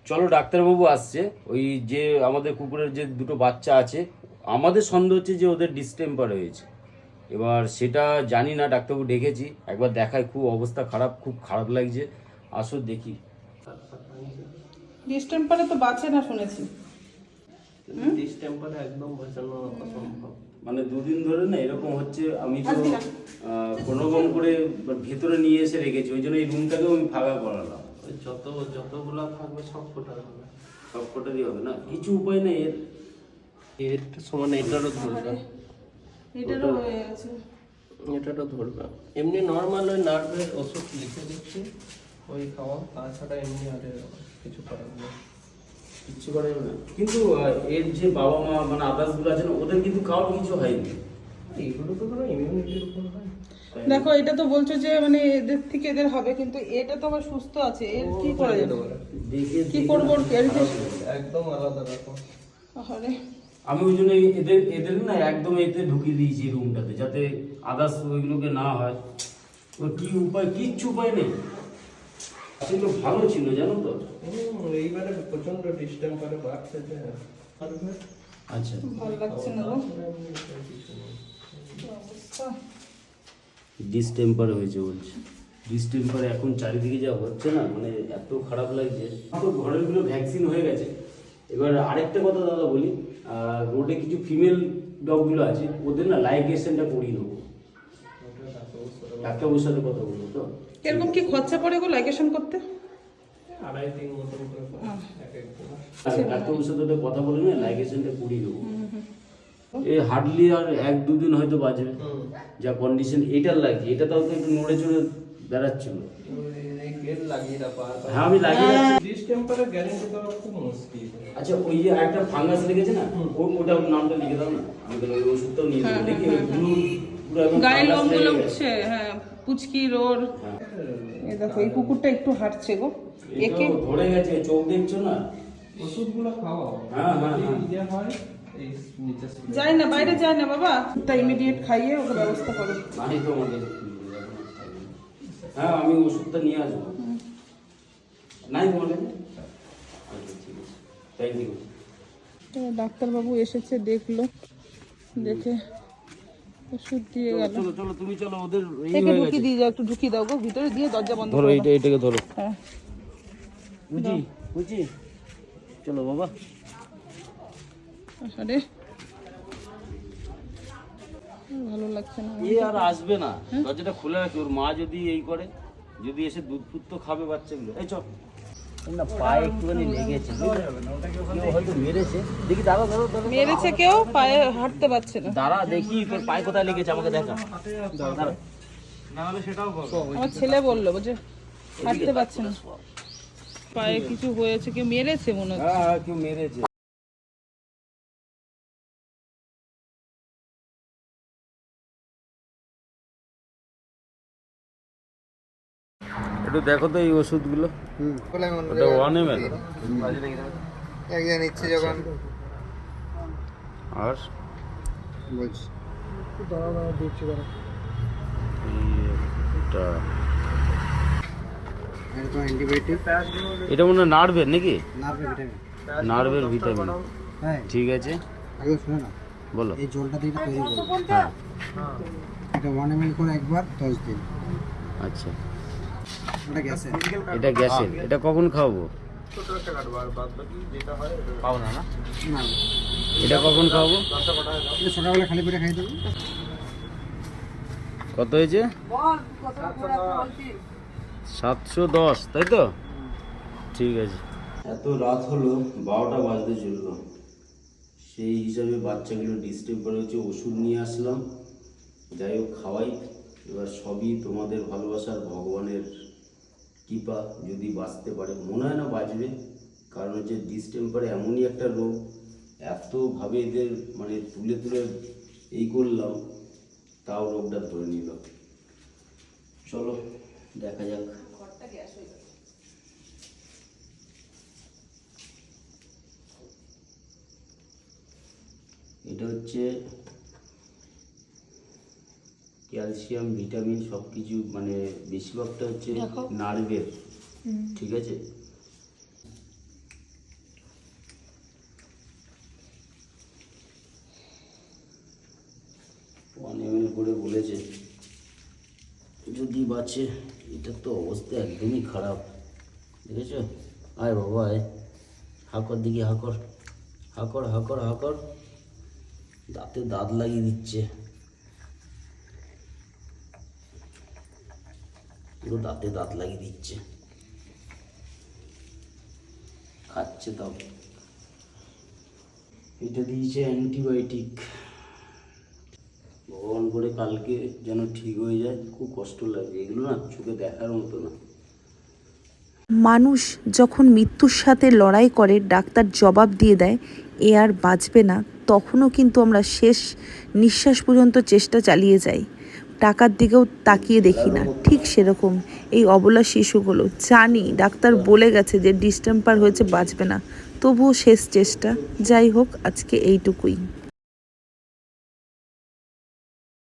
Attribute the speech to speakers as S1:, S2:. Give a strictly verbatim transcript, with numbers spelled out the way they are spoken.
S1: চলো ডাক্তারবাবু আসছে, ওই যে আমাদের কুকুরের যে দুটো বাচ্চা আছে, আমাদের সন্দেহ হচ্ছে যে ওদের ডিস্টেম্পার হয়েছে। এবার সেটা জানি না, ডাক্তারবাবু ডেকেছি, একবার দেখায়, খুব অবস্থা খারাপ, খুব খারাপ লাগছে, আসো দেখি।
S2: ডিস্টেম্পারে তো বাঁচে না শুনেছি।
S3: ডিস্টেম্পারে একদম বাঁচানো অসম্ভব।
S1: মানে দুদিন ধরে না এরকম হচ্ছে, আমি তো কোনো রকম করে ভেতরে নিয়ে এসে রেখেছি, ওই জন্য এই রুমটাকেও আমি ফাঁকা করালাম।
S3: ওই যত যতগুলা থাকবে সব কটা হবে,
S1: সব কটারই হবে না, কিছু উপায় নেই এর।
S3: এর সমান এটারও ধরবে,
S2: এটারও হয়ে গেছে।
S3: এটারও ধরবে। এমনি নর্মাল ওই নার্ভের ওষুধ লিখে দিচ্ছি, ওই খাওয়া, তাছাড়া এমনি আর কিছু করার নেই।
S1: কিচ্ছু করা যাবে না, কিন্তু আহ, এর যে বাবা মা মানে আদার্সগুলো আছে না, ওদের কিন্তু কারোর কিছু হয়নি।
S3: এইগুলো তো ধরো ইমিউনিটির উপর হয়।
S2: দেখো এটা তো বলছো যে মানে এদের থেকে এদের হবে, কিন্তু এটা তো আবার সুস্থ আছে, এর কি করা যাবে?
S1: দেখে
S2: কি করবো ওর care নিতে?
S3: একদম আলাদা রকম।
S2: আরে
S1: আমি ওই জন্য এদের এদের না একদম এতে ঢুকিয়ে দিয়েছি রুমটাতে, যাতে আদার্স ওইগুলোকে না হয়। ও কি উপায়, কিচ্ছু উপায় নেই। আসলে ভালো ছিল জানো তো।
S3: হুম, এইবারে প্রচন্ড ডিস্টেম্পারে বাড়ছে যে
S1: আচ্ছা,
S2: ভালো লাগছে না গো অবস্থা।
S1: ডিস্টেম্পার হয়েছে বলছে। ডিস্টেম্পার এখন চারিদিকে যা হচ্ছে না, মানে এত খারাপ লাগছে। তো ঘরের গুলো ভ্যাকসিন হয়ে গেছে। এবার আরেকটা কথা দাদা বলি, রোডে কিছু ফিমেল ডগগুলো আছে, ওদের না লাইগেশনটা করিয়ে দেবো। ডাক্তারবাবুর সাথে কথা বলবো তো।
S2: এরকম কি খরচা পড়ে গো লাইকেশন করতে?
S3: আড়াই তিন মতন করে এক এক
S1: আচ্ছা, ডাক্তারবাবুর সাথে ওটা কথা বলে না, লাইগেশনটা করিয়ে দেবো। এই হার্ডলি আর এক দুদিন হয়তো বাজবে, যা কন্ডিশন এটার লাগছে। এটা তাও তো একটু নড়ে চড়ে বেড়াচ্ছিল। হ্যাঁ আমি লাগিয়ে রাখছি।
S3: ডিস্টেম্পারে গ্যারান্টি দেওয়া খুব মুশকিল।
S1: আচ্ছা, ওই যে একটা ফাঙ্গাস লেগেছে না, ও ওটা নামটা লিখে দাও না, আমি তাহলে ওই ওষুধটাও নিয়ে দেবো। দেখি ওই ব্লু পুরো একদম
S2: গায়ে
S1: ফাঙ্গাস
S2: লোমগুলো
S1: লেগে গেছে।
S2: উঠছে, হ্যাঁ পুচকি রোর।
S1: হ্যাঁ।
S2: এই দেখো এই কুকুরটা একটু হাঁটছে গো, একে
S1: এটাও ধরে গেছে, চোখ দেখছো না।
S3: ওষুধগুলো খাওয়াও।
S1: হ্যাঁ, হ্যাঁ, হ্যাঁ।
S3: ইয়ে হয় এই নিচে
S2: যায় না, বাইরে যায় না বাবা, তা ইমিডিয়েট খাইয়ে ওকে ব্যবস্থা করো।
S1: নাই তো আমাদের। হ্যাঁ আমি ওষুধটা নিয়ে আসবো। নাই বলে। আচ্ছা ঠিক আছে, থ্যাংক ইউ।
S2: তো ডাক্তারবাবু এসেছে, দেখলো, দেখে ওষুধ দিয়ে গেল।
S1: চলো চলো তুমি চলো, ওদের এই
S2: একে
S1: হয়ে
S2: ঢুকি
S1: গেছে।
S2: দিয়ে যাও, একটু ঢুকি দাও গো ভিতরে, দিয়ে দরজা বন্ধ
S1: ধরো
S2: করে
S1: এইটা,
S2: দাও।
S1: এটাকে ধরো।
S2: হ্যাঁ
S1: বুঝি বুঝি, চলো বাবা।
S2: আরে ভালো লাগছে না।
S1: এ আর আসবে না, দরজাটা খুলে রাখি। ওর মা যদি এই করে, যদি এসে দুধ ফুট তো খাবে বাচ্চাগুলো। এই চল না, পায়ে একটুখানি লেগেছে, কেউ হয়তো মেরেছে। দেখি দাঁড়া দাঁড়া দাঁড়া
S2: মেরেছে কেউ, পায়ে হাঁটতে পারছে না।
S1: দাঁড়া দেখি তোর পায়ে কোথায় লেগেছে, আমাকে দেখা। দাঁড়া।
S2: আমার ছেলে বললো যে হাঁটতে পারছে না, পায়ে কিছু হয়েছে, কেউ মেরেছে মনে হচ্ছে।
S1: হ্যাঁ হ্যাঁ, কেউ মেরেছে। একটু দেখো তো এই ওষুধগুলো।
S4: হুম
S1: ওটা ওয়ান এম এল
S4: একজন ইচ্ছে যখন
S1: আর
S4: বলছি
S1: এটা
S4: এটা তো অ্যান্টিবায়োটিক,
S1: এটা মনে হয় নার্ভের নাকি?
S4: নার্ভের ভিটামিন।
S1: নার্ভের ভিটামিন,
S4: হ্যাঁ
S1: ঠিক আছে
S4: আগে শুনে না,
S1: বলো।
S4: এই জলটা দিয়ে তৈরি করবো।
S1: হ্যাঁ
S4: এটা ওয়ান এম এল করে একবার দশ দিন।
S1: আচ্ছা,
S4: ওটা গ্যাসে
S1: এটা গ্যাসের, এটা কখন খাওয়াবো? পাও না না,
S4: না,
S1: এটা কখন খাওয়াবো?
S4: এটা সকালবেলা খালি পেটে খাই দেবো।
S1: কত হয়েছে? সাতশো দশ, তাই তো? ঠিক আছে। এত রাত হলো, বারোটা বাজতে চললো। সেই হিসাবে বাচ্চাগুলো ডিস্টেম্পার হচ্ছে, ওষুধ নিয়ে আসলাম। যাই হোক খাওয়াই। এবার সবই তোমাদের ভালোবাসার, ভগবানের কৃপা, যদি বাঁচতে পারে। মনে হয় না বাঁচবে, কারণ হচ্ছে ডিস্টেম্পার এমনই একটা রোগ, এতভাবে এদের মানে তুলে তুলে এই করলাম, তাও রোগটা ধরে নিল। চলো দেখা যাক। এটা হচ্ছে ক্যালসিয়াম, ভিটামিন সব কিছু, মানে বেশিরভাগটা হচ্ছে নার্ভের, ঠিক আছে। এম এল করে বলেছে, যদি বাঁচে। এটার তো অবস্থা একদমই খারাপ, দেখেছো? আয় বাবা আয়, হাকর দিকে হাকর হাকর হাকর হাকর, দাঁতে দাঁত লাগিয়ে দিচ্ছে, পুরো দাঁতে দাঁত লাগিয়ে দিচ্ছে, খাচ্ছে তাও। এটা দিয়েছে অ্যান্টিবায়োটিক। ভগবান করে কালকে যেন ঠিক হয়ে যায়, খুব কষ্ট লাগে, এগুলো না চোখে দেখার মতো না।
S5: মানুষ যখন মৃত্যুর সাথে লড়াই করে, ডাক্তার জবাব দিয়ে দেয় এ আর বাঁচবে না, তখনও কিন্তু আমরা শেষ নিঃশ্বাস পর্যন্ত চেষ্টা চালিয়ে যাই, টাকার দিকেও তাকিয়ে দেখি না। ঠিক সেরকম এই অবলা শিশুগুলো, জানি ডাক্তার বলে গেছে যে ডিস্টেম্পার হয়েছে, বাঁচবে না, তবুও শেষ চেষ্টা। যাই হোক, আজকে এইটুকুই।